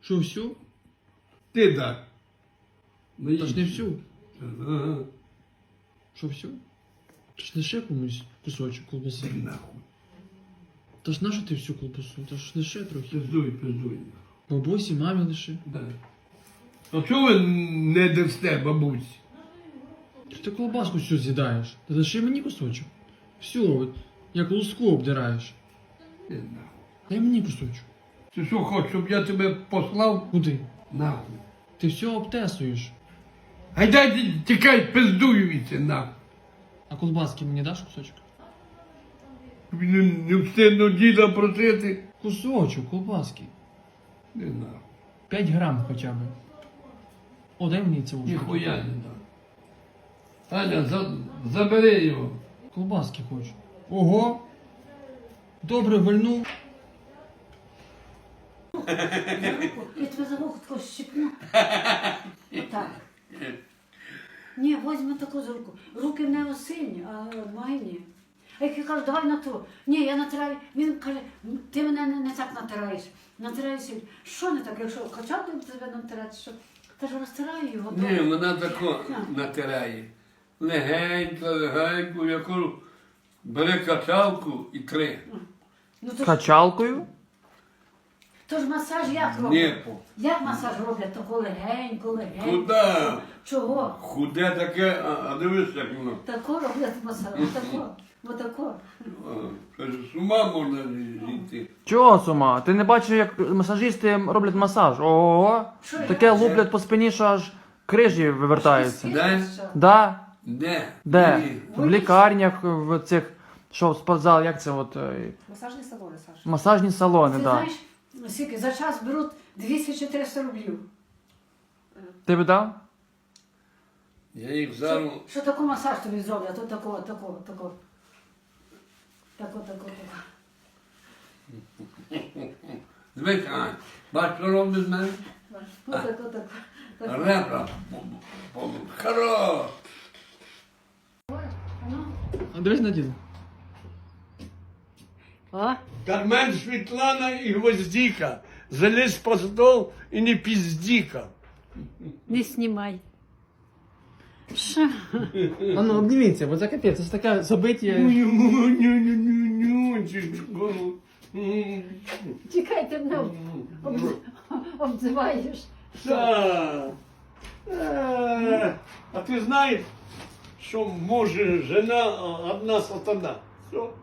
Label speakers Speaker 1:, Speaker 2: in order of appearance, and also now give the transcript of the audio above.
Speaker 1: Що, всю?
Speaker 2: Ти так.
Speaker 1: Та ж не всю.
Speaker 2: Ага.
Speaker 1: Що, всю? Та ж лише комусь кусочок колбаси.
Speaker 2: Ти нахуй.
Speaker 1: Та ж нащо ти всю колбасу? Та ж лише трохи.
Speaker 2: Пиздуй.
Speaker 1: Бабусі, мамі лише.
Speaker 2: Да. А чого ви не дасте бабусі?
Speaker 1: Ти колбаску всю з'їдаєш. Та лише мені кусочок. Всю, от, як луску обдираєш.
Speaker 2: Ти нахуй.
Speaker 1: Дай мені кусочок.
Speaker 2: Ти що хочеш, щоб я тебе послав?
Speaker 1: Куди?
Speaker 2: Нахуй.
Speaker 1: Ти все обтесуєш.
Speaker 2: Гайдай, тікай, пиздую віці, нахуй.
Speaker 1: А колбаски мені даш кусочок?
Speaker 2: Тобі не встигну діда просити.
Speaker 1: Кусочок колбаски.
Speaker 2: Не нахуй.
Speaker 1: 5 грам хоча б. О, дай мені це ушко.
Speaker 2: Ніхуя не дам. Аня, забери його.
Speaker 1: Колбаски хочу. Ого! Добре вильнув.
Speaker 3: Я тебе за вухо тако щипну. Отак. Ні, возьми таку за руку. Руки в нього сильні, а мої ні. А як я кажу, давай натру. Ні, я натираю. Він каже, ти мене не так натираєш. Натираєш сильно. Що не так, якщо качати тебе натирати, що? Та ж розтираю його.
Speaker 2: Ні, вона тако натирає. Легенько, яку бере качалку і три.
Speaker 3: Ну, то, ж,
Speaker 1: Качалкою?
Speaker 3: то ж масаж як роблять?
Speaker 2: Ні,
Speaker 3: Як масаж роблять? Тако легенько.
Speaker 2: куди?
Speaker 3: Чого?
Speaker 2: Худе таке, а дивись, як воно.
Speaker 3: Тако роблять масаж. Отако. Отако.
Speaker 2: Каже, з ума можна зійти.
Speaker 4: Чого з ума? Ти не бачиш, як масажисти роблять масаж? Ого!
Speaker 3: Що
Speaker 4: Таке
Speaker 3: я?
Speaker 4: луплять по спині, що аж крижі вивертаються.
Speaker 2: Де?
Speaker 4: Да?
Speaker 2: Де?
Speaker 4: Де?
Speaker 2: Ні.
Speaker 4: В лікарнях, в цих, що в спортзал, як це от,
Speaker 5: Масажні салони, Саша.
Speaker 4: масажні салони,
Speaker 3: Ти
Speaker 4: да.
Speaker 3: знаєш, скільки за час беруть 200-400 рублів.
Speaker 4: Ти б дав?
Speaker 2: Я їх зараз...
Speaker 3: Що таку масаж тобі зроблять? Тут такого. Тако.
Speaker 2: Дивись, Ань, бач, що робить з мене?
Speaker 3: Тако.
Speaker 2: Ребра. Хорош.
Speaker 1: А дивись на діда.
Speaker 3: О,
Speaker 2: Кармен, Світлана і Гвоздіка. Залізь по стол і не піздіка.
Speaker 3: не знімай. Що?
Speaker 1: А ну обніміться, бо це капець, це ж таке забиття.
Speaker 3: Чекайте, мене обзиваєш.
Speaker 2: Так. А ти знаєш, що може жена одна сатана? Що?